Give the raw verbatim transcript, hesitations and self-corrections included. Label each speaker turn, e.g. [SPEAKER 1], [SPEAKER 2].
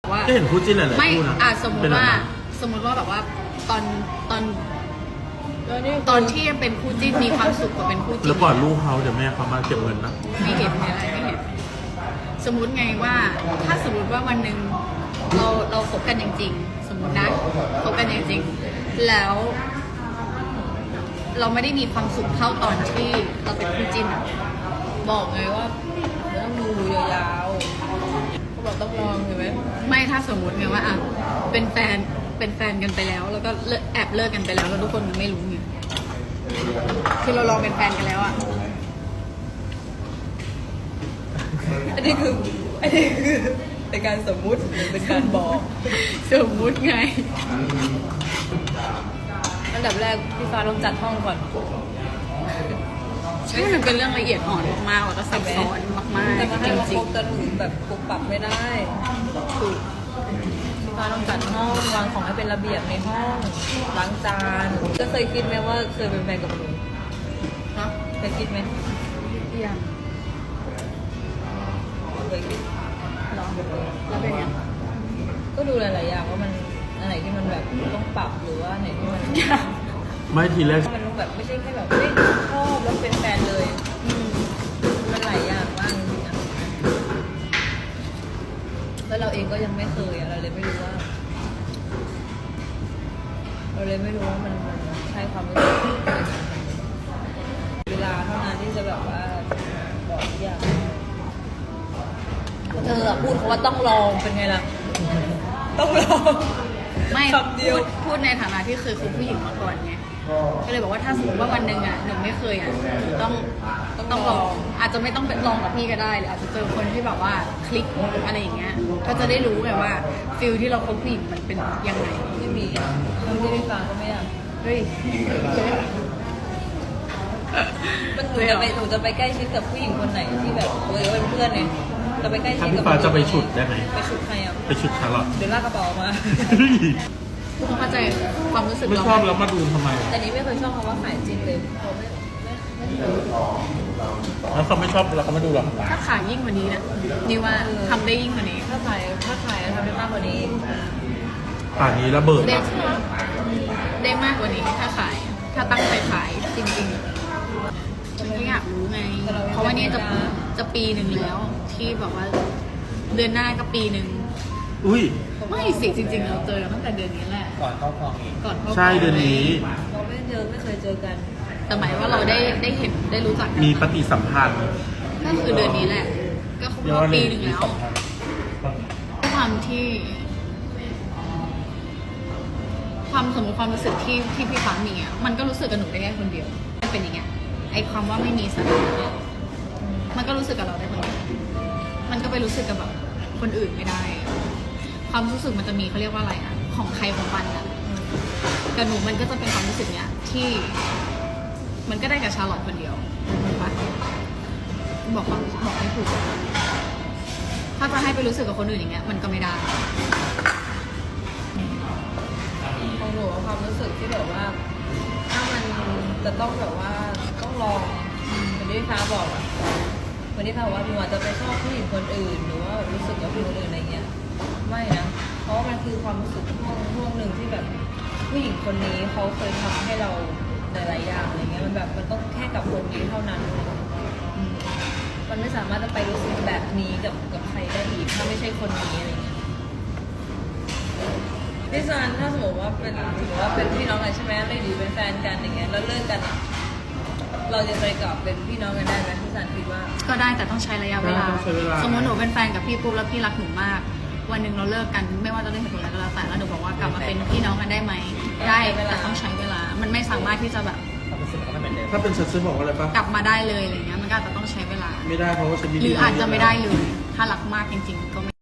[SPEAKER 1] ว่า
[SPEAKER 2] ก็เห็นคู่จิ้นหลายๆ
[SPEAKER 1] ไม่
[SPEAKER 2] คู่นะ
[SPEAKER 1] อ่ะสมมติว่า
[SPEAKER 2] เป็นแบบนั้น
[SPEAKER 1] สมมติว่าแบบว่าตอนตอนตอนที่ยังเป็นคู่จิ้นมีความสุขกว่าเป็นคู่จิ้น
[SPEAKER 2] แล้วก่อนลูกเขาเดี๋ยวแม่เขามาเก็บเงินนะ
[SPEAKER 1] ไม่เห็นไม่อะไรไม่เห็นสมมุติไงว่าถ้าสมมติว่าวันหนึ่งเราเราคบกันจริงๆสมมตินะคบกันจริงๆแล้ว เราไม่ได้มีความสุขเท่าตอนที่เราเป็นคู่จิ้นอะ
[SPEAKER 3] บอกไงว่าเดี๋ยวต้องดูยาวๆเขาบอกต้องลองเห็นไหม
[SPEAKER 1] ไม่ถ้าสมมติไงว่าอ่ะเป็นแฟนเป็นแฟนกันไปแล้ว แล้วก็เลิกแอบเลิกกันไปแล้วแล้วทุกคนไม่รู้ไงคือเราลองเป็นแฟนกันแล้วอ่ะ
[SPEAKER 3] อันนี้คืออันนี้คือเป็นการสมมุติหรือเป็นการบอก
[SPEAKER 1] สมมุติไง
[SPEAKER 3] อันดับแรกพี่ฟ้าต้องจัดห้องก่อน
[SPEAKER 1] ใช่มันเป็นเรื่องละเอียดอ่อนมากๆแล้วก็ซับซ้อนมาก
[SPEAKER 3] แต่มา
[SPEAKER 1] ๆ
[SPEAKER 3] ให้
[SPEAKER 1] จ
[SPEAKER 3] มา
[SPEAKER 1] ริ
[SPEAKER 3] ค
[SPEAKER 1] ง
[SPEAKER 3] บกันแบบปรับปรับไม่ได้
[SPEAKER 1] ๆถูก
[SPEAKER 3] พี่ฟ้าต้องจัดห้องวางของให้เป็นระเบียบในห้องล้างจานก็เคยคิดไหมว่าเคยเป็นแฟนกับหนู
[SPEAKER 1] เนาะ
[SPEAKER 3] เคยคิดไหม
[SPEAKER 1] ยัง
[SPEAKER 3] เคยคิด
[SPEAKER 1] รอแล้วเป็นยัง
[SPEAKER 3] ก็ดูหลายๆอย่างว่ามันอันไหนที่มันแบบต้องปรับหรือว่าอันไหนที่มัน
[SPEAKER 2] ไม่ทีแรก
[SPEAKER 3] มันแบบไม่ใช่แค่แบบเฮ้ยชอบแล้วเป็นแฟนเลย
[SPEAKER 1] อืม
[SPEAKER 3] มันหลายอย่างมากจริงๆอะแล้วเราเองก็ยังไม่เคยอะเราเลยไม่รู้ว่า เราเลยไม่รู้ว่ามันมันใช่ความรู้สึกเวลาเท่านั้นที่จะแบบว่าบอกทุกอย่างเธออะพูดเขาว่าต้องลองเป็นไงล่ะ ต้องลอง
[SPEAKER 1] ไม่
[SPEAKER 3] คำเดียว
[SPEAKER 1] พูดพูดในฐานะที่เคยคบผู้หญิงมาก่อนไงก็เลยบอกว่าถ้าสมมติว่าวันหนึ่งอ่ะหนูไม่เคยอ่ะหนูต้องต้องลอง อาจจะไม่ต้องเป็นลองกับพี่ก็ได้หรืออาจจะเจอคนที่แบบว่าคลิกอะไรอย่างเงี้ยก็จะได้รู้ไงว่าฟิลที่เราคบผู้หญิงมันเป็นยังไง
[SPEAKER 3] ไม่มีคนที่ได้ฟังก็ไม่อยาก
[SPEAKER 1] เฮ้ย
[SPEAKER 3] มันหนูจะไปหนูจะไปใกล้ชิดกับผู้หญิงคนไหนที่แบบเออเป็นเพื่อนเนี่ยจะไปใกล้ชิ
[SPEAKER 2] ถ้า
[SPEAKER 3] ด
[SPEAKER 2] พี่
[SPEAKER 3] กับ
[SPEAKER 2] ฟ้าจะไปฉุดได้ไหม
[SPEAKER 3] ไปฉุดใครอ่ะ
[SPEAKER 2] ไปฉุดชาร์ลอต
[SPEAKER 3] เดี๋ยวลากกระเป๋าออกมา
[SPEAKER 1] คุณเข้าใจความรู้สึก
[SPEAKER 2] ไม่
[SPEAKER 1] เรา
[SPEAKER 2] ชอบแล้วมาดูทำไม
[SPEAKER 3] แต่นี้ไม่เคยชอบคำว่าขายจริงเลยเขาไม่ไม่ไม่เคย
[SPEAKER 2] แล้วเขาไม่ชอบแล้วเขามาดูเราทำไม
[SPEAKER 1] ถ้าขายยิ่งกว่านี้นะนี่ว่าทำได้ยิ่งกว่านี้
[SPEAKER 3] ถ้าขายถ้าขายทำได้มากกว่านี้
[SPEAKER 2] ป่านนี้ระเบิด
[SPEAKER 1] ได้
[SPEAKER 2] อะ
[SPEAKER 1] ได้มากกว่านี้ถ้าขาย ถ้าตั้งใจขายจริงๆฉันก็อยากรู้ไง เพราะว่านี่จะจะปีหนึ่งแล้ว ที่แบบว่า เดือนหน้าก็ปีหนึ่ง
[SPEAKER 2] อุ้ย
[SPEAKER 1] ไม่สิจริงๆเราเจอกันตั้งแต่เดือนนี้แหละ
[SPEAKER 4] ก่อนเข้าคลองอีก
[SPEAKER 1] ก่อนเข้า
[SPEAKER 2] ใช่เดือนนี้
[SPEAKER 3] เราไม่เจอไม่เคยเจอกัน
[SPEAKER 1] แต่หมายว่าเราได้ได้เห็นได้รู้จักกัน
[SPEAKER 2] มีปฏิสัมพันธ์
[SPEAKER 1] ก็คือเดือนนี้แหละ ก็ครบรอบปีหนึ่งแล้ว
[SPEAKER 2] สัมพันธ์
[SPEAKER 1] ด้วยความที่ ความสมมติความรู้สึกที่ที่พี่ฟ้ามีอ่ะมันก็รู้สึกกับหนูได้แค่คนเดียวมันเป็นอย่างเงี้ยไอความว่าไม่มีสถานะเนี่ยมันก็รู้สึกกับเราได้คนเดียวมันก็ไปรู้สึกกับแบบคนอื่นไม่ได้ ความรู้สึกมันจะมีเขาเรียกว่าอะไรอ่ะของใครของมันอ่ะกับหนูมันก็จะเป็นความรู้สึกเนี้ยที่ มันก็ได้กับชาร์ลอตคนเดียวถูกปะบอกความบอกไม่ถูกถ้าจะให้ไปรู้สึกกับคนอื่นอย่างเงี้ยมันก็ไม่ได้
[SPEAKER 3] ของหนูความรู้สึกที่แบบว่า ถ้ามันจะต้องแบบว่าต้องลองเหมือนที่พี่ฟ้าบอกอะเหมือนที่ฟ้าบอกว่าหนูอาจจะไปชอบผู้หญิงคนอื่นหรือว่ารู้สึกกับผู้หญิงคนอื่นอะไรเงี้ยไม่นะเพราะว่ามันคือความรู้สึกช่วงช่วงหนึ่งที่แบบผู้หญิงคนนี้เขาเคยทำให้เราหลายๆอย่างอะไรเงี้ยมันแบบมันต้องแค่กับคนนี้เท่านั้นอืมมันไม่สามารถจะไปรู้สึกแบบนี้กับกับใครได้อีกถ้าไม่ใช่คนนี้อะไรเงี้ย พี่ซันถ้าสมมติว่าเป็นถือว่าเป็นพี่น้องกันใช่ไหมเลยดีเป็นแฟนกันอย่างเงี้ยแล้วเลิกกันอ่ะเราจะไปกลับเป็นพี่น้องกันได้ไหมพี่ซันคิดว่า
[SPEAKER 1] ก็ได้แต่ต้องใช้ระยะเวลา
[SPEAKER 2] ต้องใช้เวลา
[SPEAKER 1] สมมติหนูเป็นแฟนกับพี่ปุ๊บแล้วพี่รักหนูมาก วันหนึ่งเราเลิกกันไม่ว่าจะด้วยเหตุผลอะไรก็แล้วแต่แล้วหนูบอกว่ากลับมาเป็นพี่น้องกันได้ไหมได้แต่ต้องใช้เวลา มันไม่สามารถที่จะแบบ
[SPEAKER 4] ความรู้สึกก็ไม่เหมือนเดิม
[SPEAKER 2] ถ้าเป็นฉันจะบอกว่าอะไรปะ
[SPEAKER 1] กลับมาได้เลยอะไรเงี้ยมันก็อาจจะต้องใช้เวลา
[SPEAKER 2] ไม่ได้เพราะว่าฉันมี
[SPEAKER 1] หรืออาจจะไม่ได้เลยถ้ารักมากจริงๆก็ไม่